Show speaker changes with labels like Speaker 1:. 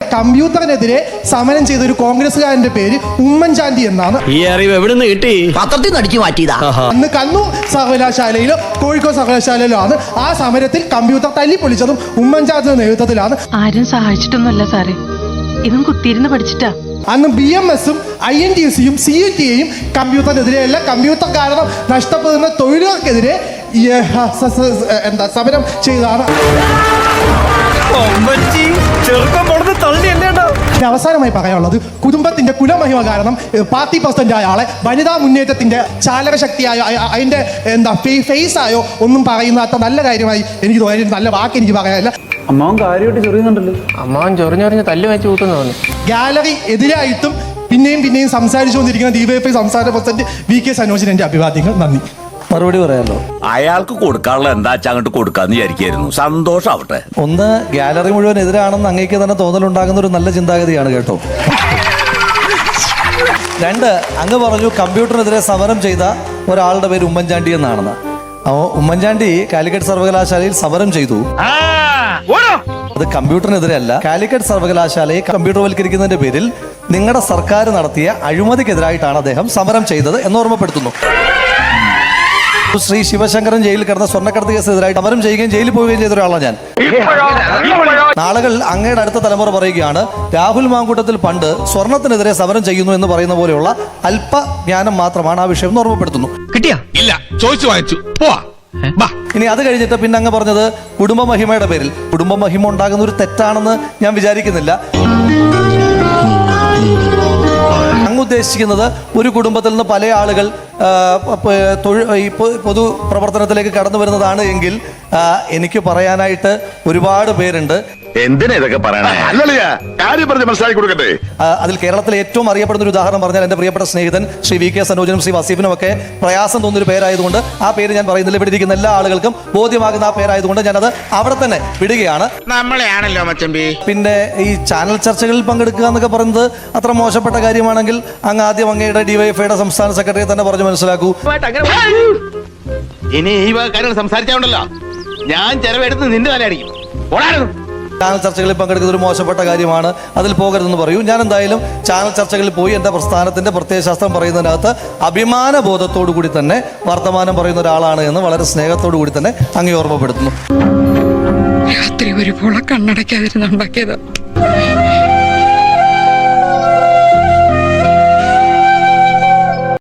Speaker 1: കമ്പ്യൂട്ടറിനെതിരെ സമരം ചെയ്ത ഒരു കോൺഗ്രസ്സുകാരന്റെ പേര് ഉമ്മൻചാണ്ടി എന്നാണ്.
Speaker 2: ഈ അറിവ് എവിടെ നിന്ന് കിട്ടി?
Speaker 3: പത്രത്തിൽ നിന്ന് അടിച്ചു മാറ്റിയതാ.
Speaker 1: അന്ന് കണ്ണൂർ സർവകലാശാലയിലോ കോഴിക്കോട് സർവകലാശാലയിലോ ആണ് ആ സമരത്തിൽ കമ്പ്യൂട്ടർ തല്ലിപ്പൊളിച്ചതും ഉമ്മൻചാണ്ടിയുടെ നേതൃത്വത്തിലാണ്.
Speaker 4: ആരും സഹായിച്ചിട്ടൊന്നുമല്ല സാറേ, ഇതും കുത്തിയിരുന്ന് പഠിച്ചിട്ടാ.
Speaker 1: അന്ന് BMS-ഉം INTC-യും CUT-യും കമ്പ്യൂട്ടറിനെതിരെയല്ല, കമ്പ്യൂട്ടർ കാരണം നഷ്ടപ്പെടുന്ന തൊഴിലുകൾക്കെതിരെ സമരം ചെയ്തതാണ്. അവസാനമായി പറയാനുള്ളത്, കുടുംബത്തിന്റെ കുലമഹിമ കാരണം പാർട്ടി പ്രസിഡന്റായ ആളെ വനിതാ മുന്നേറ്റത്തിന്റെ ചാലകശക്തിയായോ അതിന്റെ ഫേസ് ആയോ ഒന്നും പറയുന്ന നല്ല കാര്യമായി എനിക്ക് തോന്നി. നല്ല വാക്ക് എനിക്ക് പറയാനില്ല.
Speaker 5: അമ്മാവൻ കാര്യമായിട്ട് ചൊറിയുന്നുണ്ടല്ലോ.
Speaker 2: അമ്മാവൻ ചൊറിഞ്ഞൊറിഞ്ഞ് തല്ല് വെച്ച് കൂട്ടുന്നു.
Speaker 1: ഗാലറി എതിരായിട്ടും പിന്നെയും സംസാരിച്ചുകൊണ്ടിരിക്കുന്ന DYFI സംസ്ഥാന പ്രസിഡന്റ് VK സനോജിന് എന്റെ അഭിവാദ്യങ്ങൾ. നന്ദി.
Speaker 5: മറുപടി പറയാമല്ലോ.
Speaker 6: അയാൾക്ക് കൊടുക്കാനുള്ള എന്താ വെച്ചാൽ അങ്ങോട്ട് കൊടുക്കാന്ന് വിചാരിക്കായിരുന്നു. സന്തോഷാവട്ടെ.
Speaker 5: ഒന്ന്, ഗാലറി മുഴുവൻ എതിരാണെന്ന് അങ്ങേക്ക് തന്നെ തോന്നലുണ്ടാകുന്ന ഒരു നല്ല ചിന്താഗതിയാണ് കേട്ടോ. രണ്ട്, അങ്ങ് പറഞ്ഞു കമ്പ്യൂട്ടറിനെതിരെ സമരം ചെയ്ത ഒരാളുടെ പേര് ഉമ്മൻചാണ്ടി എന്നാണെന്ന്. ഉമ്മൻചാണ്ടി കാലിക്കറ്റ് സർവകലാശാലയിൽ സമരം ചെയ്തു. അത് കമ്പ്യൂട്ടറിനെതിരെ അല്ല, കാലിക്കറ്റ് സർവകലാശാലയെ കമ്പ്യൂട്ടർവൽക്കരിക്കുന്നതിന്റെ പേരിൽ നിങ്ങളുടെ സർക്കാർ നടത്തിയ അഴിമതിക്കെതിരായിട്ടാണ് അദ്ദേഹം സമരം ചെയ്തത് എന്ന് ഓർമ്മപ്പെടുത്തുന്നു. ശ്രീ ശിവശങ്കരൻ ജയിലിൽ കിടന്ന സ്വർണ്ണക്കടത്ത് കേസിനെതിരായി സമരം ചെയ്യുകയും ജയിലിൽ പോവുകയും ചെയ്ത ഒരാളാണ് ഞാൻ. നാളുകൾ അങ്ങയുടെ അടുത്ത തലമുറ പറയുകയാണ് രാഹുൽ മാങ്കൂട്ടത്തിൽ പണ്ട് സ്വർണത്തിനെതിരെ സമരം ചെയ്യുന്നു എന്ന് പറയുന്ന പോലെയുള്ള അല്പജ്ഞാനം മാത്രമാണ് ആ വിഷയം എന്ന് ഓർമ്മപ്പെടുത്തുന്നു.
Speaker 7: കിട്ടിയാ? ഇല്ല, ചോദിച്ചു വാങ്ങിച്ചു.
Speaker 5: ഇനി അത് കഴിഞ്ഞിട്ട് പിന്നെ അങ്ങ് പറഞ്ഞത് കുടുംബമഹിമയുടെ പേരിൽ. കുടുംബമഹിമ ഉണ്ടാകുന്ന ഒരു തെറ്റാണെന്ന് ഞാൻ വിചാരിക്കുന്നില്ല. അങ്ങ് ഉദ്ദേശിക്കുന്നത് ഒരു കുടുംബത്തിൽ നിന്ന് പല ആളുകൾ പൊതു പ്രവർത്തനത്തിലേക്ക് കടന്നു വരുന്നതാണ് എങ്കിൽ എനിക്ക് പറയാനായിട്ട് ഒരുപാട് പേരുണ്ട്.
Speaker 6: എന്തിനാ ഇതൊക്കെ പറയണേ? മനസ്സിലാക്കി കൊടുക്കട്ടെ.
Speaker 5: അതിൽ കേരളത്തിലെ ഏറ്റവും അറിയപ്പെടുന്ന ഒരു ഉദാഹരണം പറഞ്ഞാൽ എൻ്റെ പ്രിയപ്പെട്ട സ്നേഹിതൻ ശ്രീ VK സനോജനും ശ്രീ വസീഫിനും ഒക്കെ പ്രയാസം തോന്നുന്നൊരു പേരായതുകൊണ്ട് ആ പേര് ഞാൻ പറയുന്നില്ല. ഇവിടെ ഇരിക്കുന്ന എല്ലാ ആളുകൾക്കും ബോധ്യമാകുന്ന ആ പേരായതുകൊണ്ട് ഞാനത് അവിടെ തന്നെ വിടുകയാണ്.
Speaker 7: നമ്മളെയാണല്ലോ മച്ചമ്പി.
Speaker 5: പിന്നെ ഈ ചാനൽ ചർച്ചകളിൽ പങ്കെടുക്കുക എന്നൊക്കെ പറയുന്നത് അത്ര മോശപ്പെട്ട കാര്യമാണെങ്കിൽ അങ്ങ് ആദ്യം അങ്ങയുടെ DYFIയുടെ സംസ്ഥാന സെക്രട്ടറിയെ തന്നെ പറഞ്ഞു മനസ്സിലാക്കൂ.
Speaker 7: ഇനി ഈ കാര്യങ്ങൾ സംസാരിച്ചാണ്ടല്ലോ ഞാൻ ചെലവെടുത്ത് നിന്റെ തല അടിക്കും.
Speaker 5: ചാനൽ ചർച്ചകളിൽ പങ്കെടുക്കുന്നത് ഒരു മോശപ്പെട്ട കാര്യമാണ്, അതിൽ പോകരുതെന്ന് പറയൂ. ഞാൻ എന്തായാലും ചാനൽ ചർച്ചകളിൽ പോയി എൻ്റെ പ്രസ്ഥാനത്തിൻ്റെ പ്രത്യയശാസ്ത്രം പറയുന്നതിനകത്ത് അഭിമാന ബോധത്തോടു കൂടി തന്നെ വർത്തമാനം പറയുന്ന ഒരാളാണ് എന്ന് വളരെ സ്നേഹത്തോടു കൂടി തന്നെ അങ്ങ് ഓർമ്മപ്പെടുത്തുന്നു.
Speaker 4: രാത്രി ഒരുപോലെ കണ്ണടയ്ക്കാതിരുന്നുണ്ടാക്കിയതാ.